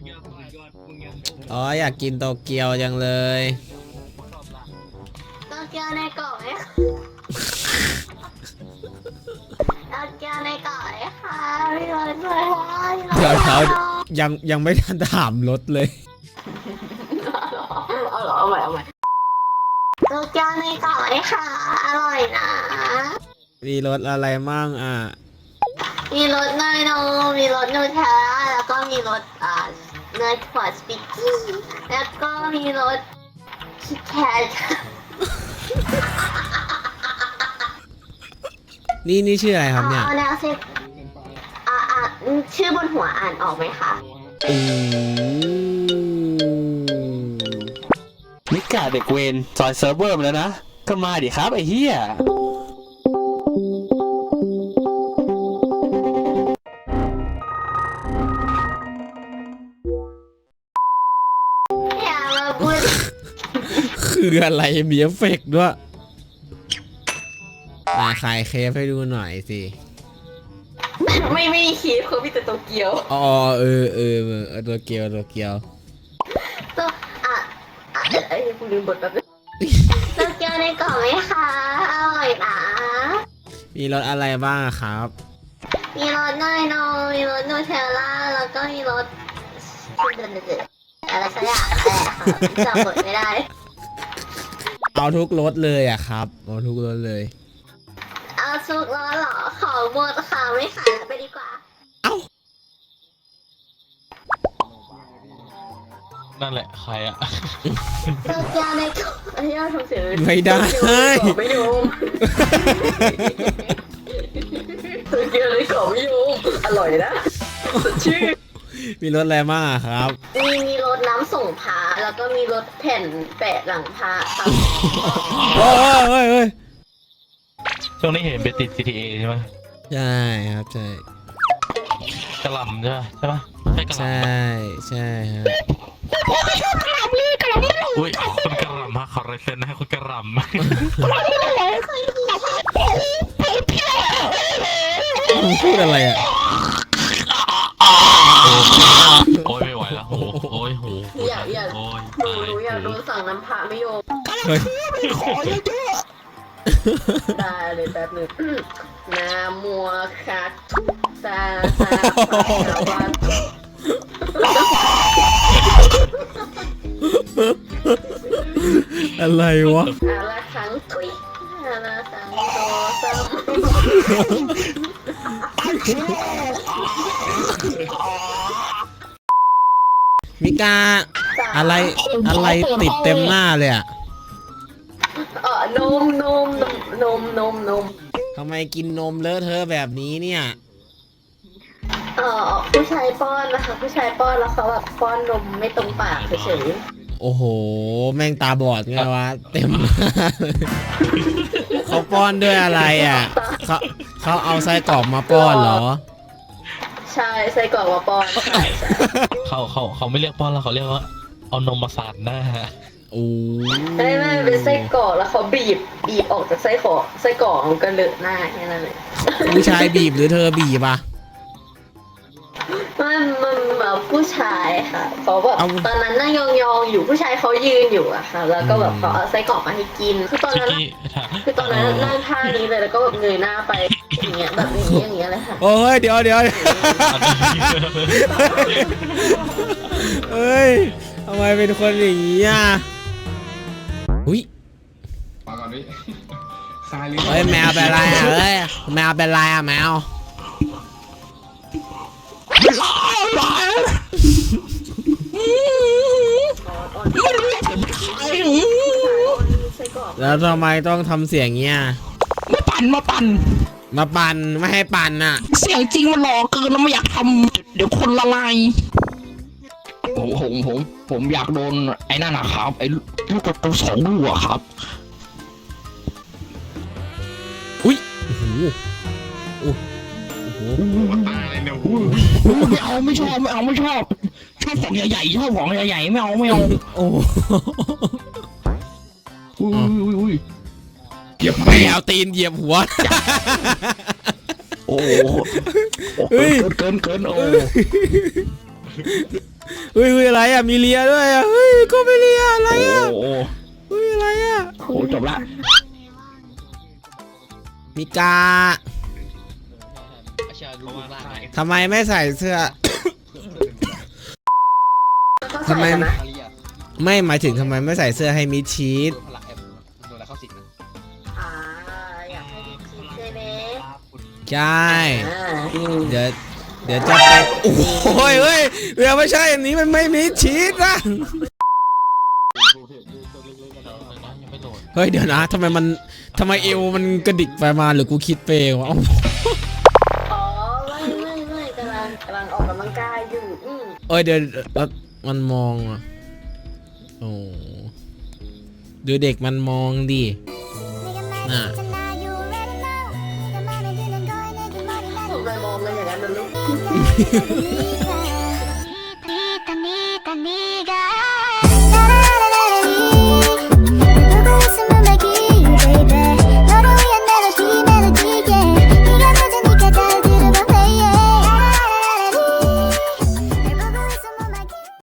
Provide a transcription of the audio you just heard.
อ๋ออยากกินโตเกียวจังเลยโตเกียวในกล่องไหมคะโตเกียวในกล่องไหมคะพี่รถเลยค่ะเดี๋ยวยังไม่ทันถามรถเลยเอาใหม่โตเกียวในกล่องไหมคะอร่อยนะมีรสอะไรมั่งอ่ะมีรสเนยนมมีรสนูเทลล่าแล้วก็มีรสเนยถั่วสปิกกี้แล้วก็มีรสคิดแคทนี่ชื่ออะไรครับเนี่ยเอาแนวเซ็ตชื่อบนหัวอ่านออกไหมคะอืมิกาเด็กเวนจอยเซิร์ฟเวอร์มาแล้วนะก็มาดิครับไอ้เหี้ยอย่ามาพูดคืออะไรมีเอฟเฟกต์ด้วยมาขายเคฟให้ดูหน่อยสิไม่มีคีบเขามีแต่โตเกียวอ๋อตัวเกียวตัวไอ้คุณลืมบทแบบโตเกียวในกล่องไหมคะอร่อยนะมีรสอะไรบ้างอะครับมีรสเนยนมมีรสนูเทลล่าแล้วก็มีรสอะไรสักอย่างจำบทไม่ได้เอาทุกรสเลยอะครับเอาทุกรสเลยเอาซุกร้อนเหรอขอหมดค่ะไม่ขายไปดีกว่าเอ้านั่นแหละใครอะโตเกียวในกล่องอันนี้เราทำเสียงไม่ได้ไม่ยอมโตเกียวในกล่องไม่ยอมอร่อยนะชื่อมีรสอะไรบ้างอะครับมีรถน้ำส่งพาแล้วก็มีรถแผ่นแปะหลังพาครับเฮ้ยช่วงนี้เห็นไปติด GTA ใช่ไหมใช่ครับใช่กระหล่ำใช่ปะใช่กระหใช่ล่ำใช่ครับอุ้ยคนกระหล่ำฮะขอไรเซนนะคนกระหล่ำพูดอะไรอะโอ้ยไม่ไหวแล้วโอ้ยโหอยากโอ้ยหนูอยากโดนสั่งน้ำพาไม่โยมเฮ้ยได้เลยแป๊บหนึงนามัวคัดซาวันอะไรวะอาละครั้งทุยอาละครั้งโตซ้ำมิกาอะไรติดเต็มหน้าเลยอะนมทำไมกินนมเลอะเทอะแบบนี้เนี่ยผู้ชายป้อนนะคะผู้ชายป้อนแล้วเขาแบบป้อนนมไม่ตรงปากเฉยโอ้โห แม่งตาบอดไงวะเต็มหน้าเลยเขาป้อนด้วยอะไรอ่ะเขาเอาไส้กรอกมาป้อนเหรอใช่ใส่กล่องมาป้อนใช่เขาไม่เรียกป้อนแล้วเขาเรียกว่าเอานมมาสาดหน้าโอ้ไม่เป็นไส้กรอกแล้วเขาบีบออกจากไส้กรอกมันก็เลอะหน้าแค่นั้นเลยผู้ชายบีบหรือเธอบีบอ่ะมันแบบผู้ชายค่ะเขาแบบเอาตอนนั้นนั่งยองๆอยู่ผู้ชายเขายืนอยู่อะค่ะ แล้วก็แบบเขาเอาไส้กรอกมาให้กินคือตอนชิคนั้นกี้ถามนั่งท่านี้เลยแล้วก็แบบเงยหน้าไปอย่างเงี้ยแบบอย่างเงี้ยเลยค่ะโอ้ยเดี๋ยวเฮ้ยทำไมเป็นคนอย่างนี้อ่ะอุ้ยมาก่อนดิคายลิ้นเฮ้ยแมวเป็นไรอ่ะเฮ้ยแมวเป็นไรอ่ะแมวแล้วทำไมต้องทำเสียงเงี้ยมาปั่นมาปั่นไม่ให้ปั่นอ่ะเสียงจริงมันหล่อเกินแล้วไม่อยากทำเดี๋ยวคนละลายผมอยากโดนไอ้นั่นนะครับไอ้ลูกกระตู2 ลูกอะครับอุ้ยโอ้โหโอ้โหตายเลยเนี่ยไม่เอาไม่ชอบชอบของใหญ่ๆชอบของใหญ่ๆไม่เอาโอ้โหอุ้ยเหยียบแมวตีนเหยียบหัวโอ้เฮ้ยเกินโอ้เฮ้ฮ้ยอะไรอ่ะมีเลียด้วยอ่ะเฮ้ยก็ไม่เลียอะไรโอ้อ่ะโหเฮ้ยอะไรอ่ะโอ้จบละมิกาทำไมไม่ใส่เสื้อ ทำไมไม่หมายถึงทำไมไม่ใส่เสื้อให้มิดชิดอ่าอยากให้มีคิดใช่ไหมใช่อ่าเดี๋ยวจะไปโอ้ยเฮ้ยเดี๋ยวไม่ใช่อันนี้มันไม่มิดชิดนะเฮ้ยเดี๋ยวนะทำไมเอวมันกระดิกไปมาหรือกูคิดไปเองวะอ๋อไม่กำลังออกกำลังกายอยู่เอ้ยเดี๋ยวมันมองอ่ะโอ้ดูเด็กมันมองดิน่ะผมเลยมองเลยอย่างนั้นมันไม่